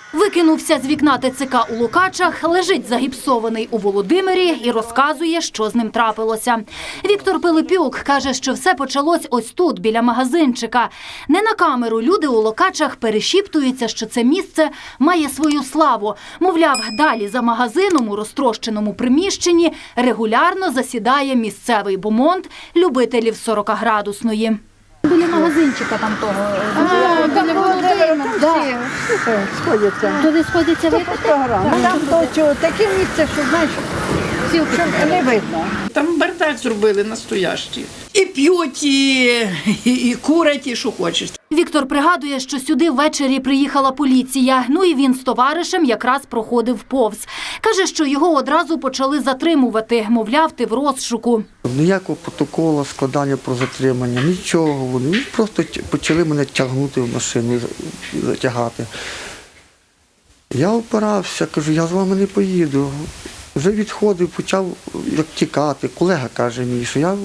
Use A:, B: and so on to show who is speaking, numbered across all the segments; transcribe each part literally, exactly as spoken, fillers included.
A: Викинувся з вікна ТЦК у Лукачах, лежить загіпсований у Володимирі і розказує, що з ним трапилося. Віктор Пилипюк каже, що все почалось ось тут, біля магазинчика. Не на камеру люди у Лукачах перешіптуються, що це місце має свою славу. Мовляв, далі за магазином у розтрощеному приміщенні регулярно засідає місцевий бомонд любителів сорокаградусної. Біля магазинчика там того.
B: А, там Володимир, всі.
C: Сходяться.
A: Туди сходяться випити?
C: Там то таке місце, що, знаєш, щоб не видно.
B: Там бардак зробили настоящий. І п'ють, і, і, і курять, і що хочеш.
A: Віктор пригадує, що сюди ввечері приїхала поліція. Ну і він з товаришем якраз проходив повз. Каже, що його одразу почали затримувати. Мовляв, ти в розшуку.
D: Ніякого протоколу складання про затримання, нічого. Вони просто почали мене тягнути в машину, затягати. Я опирався, кажу, я з вами не поїду. Вже відходив, почав як тікати. Колега каже мені, що я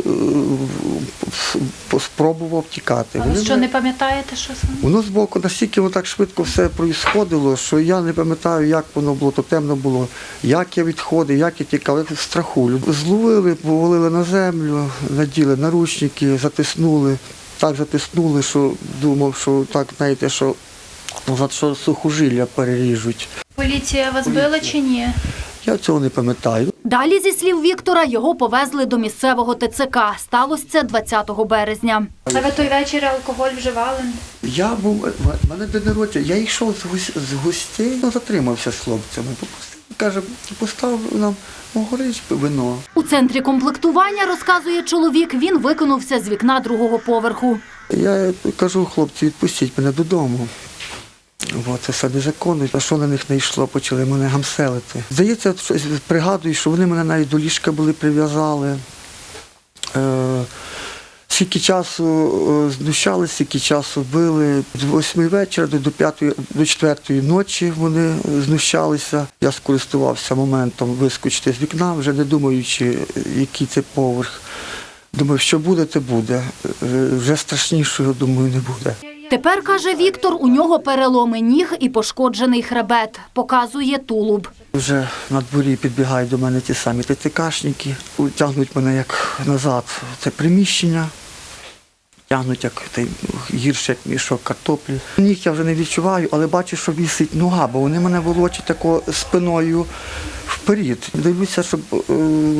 D: спробував тікати.
A: Але що, не пам'ятаєте, що саме?
D: Воно збоку настільки воно так швидко все проїсходило, що я не пам'ятаю, як воно було, то темно було, як я відходив, як я тікав, як в страху. Зловили, повалили на землю, наділи наручники, затиснули. Так затиснули, що думав, що так, знаєте, що, що сухожилля переріжуть.
E: Поліція вас била чи ні?
D: Я цього не пам'ятаю.
A: Далі, зі слів Віктора, його повезли до місцевого ТЦК. Сталося це двадцятого березня.
E: А ви той вечір алкоголь вживали?
D: Я був, в мене день народження, я йшов з, гос, з гостей, ну, затримався з хлопцями. Каже, поставив нам горич, вино.
A: У центрі комплектування, розказує чоловік, він викинувся з вікна другого поверху.
D: Я кажу, хлопці, відпустіть мене додому. О, це все незаконно. А що на них не йшло, почали мене гамселити. Здається, пригадую, що вони мене навіть до ліжка були прив'язали. Е, скільки часу знущалися, скільки часу били. З восьми вечора до, п'ятої, до четвертої ночі вони знущалися. Я скористувався моментом вискочити з вікна, вже не думаючи, який це поверх. Думаю, що буде, те буде. Вже страшнішого, думаю, не буде.
A: Тепер, каже Віктор, у нього переломи ніг і пошкоджений хребет. Показує тулуб.
D: Вже на дворі підбігають до мене ті самі ТЦКшники, тягнуть мене як назад в це приміщення, тягнуть як гірше, як мішок картоплі. Ніг я вже не відчуваю, але бачу, що висить нога, бо вони мене волочать тако спиною вперед. Дивлюся, щоб е,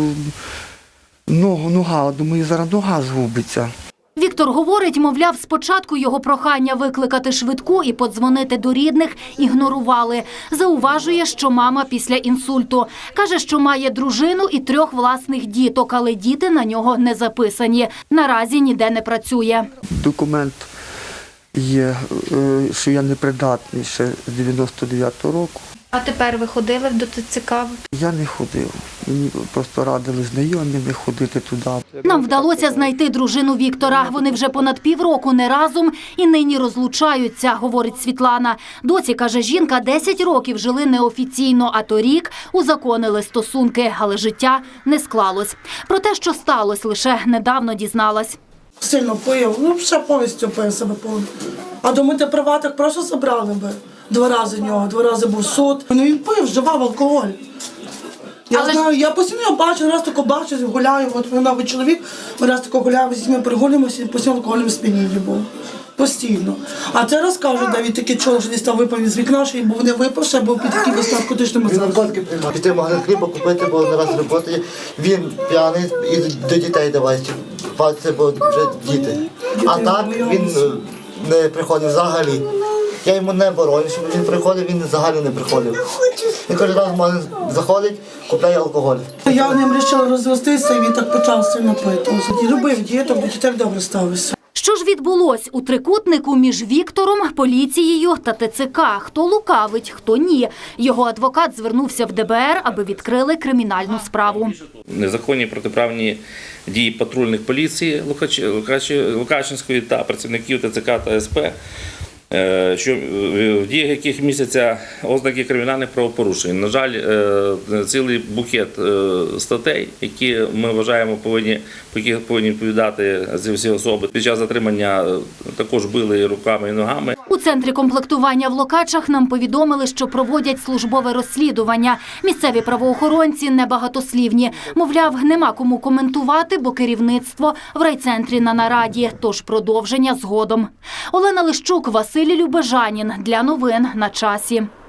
D: ногу, нога, думаю, зараз нога згубиться.
A: Віктор говорить, мовляв, спочатку його прохання викликати швидку і подзвонити до рідних ігнорували. Зауважує, що мама після інсульту. Каже, що має дружину і трьох власних діток, але діти на нього не записані. Наразі ніде не працює.
D: Документ є, що я непридатний ще з дев'яносто дев'ятого року.
E: А тепер ви ходили до ТЦК?
D: Я не ходив. Мені просто радили знайомі не ходити туди.
A: Нам вдалося знайти дружину Віктора. Вони вже понад півроку не разом і нині розлучаються, говорить Світлана. Доці, каже жінка, десять років жили неофіційно, а торік узаконили стосунки, але життя не склалось. Про те, що сталося, лише недавно дізналась.
F: Сильно пив, ну все повністю пив себе повністю. А думаєте, приватних просто забрали би. Два рази нього, два рази був суд. Ну він пив, вживав алкоголь. Я Але... знаю, я постійно його бачу, раз тако бачу, гуляю, от він новий чоловік, ми раз тако гуляємо, з ними перегулюємося, і постійно алкогольним сп'янінні був. Постійно. А це розкажуть, де він такий чоловік, що десь там випав із вікна, що був не випав, ще був під таким наркотичним
G: Він наркотики приймав. Піти в магазин хліба купити, бо не раз роботи. Він п'яний і до дітей давай. Це бо вже діти. А так він не приходив взагалі. Я йому не бороню, щоб він приходив, він взагалі не приходив. Він кожен раз в магазин заходить, купляє алкоголь.
F: Я в ним вирішила розвестися, і він так почав сильно пити. Любив діток, бо дітей добре ставився.
A: Що ж відбулось у трикутнику між Віктором, поліцією та ТЦК? Хто лукавить, хто ні? Його адвокат звернувся в ДБР, аби відкрили кримінальну справу.
H: Незаконні протиправні дії патрульних поліції Лукачинської та працівників ТЦК та СП, що в діях яких містяться ознаки кримінальних правопорушень. На жаль, цілий букет статей, які ми вважаємо повинні, по яких повинні відповідати ці всі особи. Під час затримання також били і руками, і ногами.
A: У центрі комплектування в Локачах нам повідомили, що проводять службове розслідування. Місцеві правоохоронці небагатослівні. Мовляв, нема кому коментувати, бо керівництво в райцентрі на нараді. Тож продовження згодом. Олена Лищук, Василь Любежанін. Для новин на часі.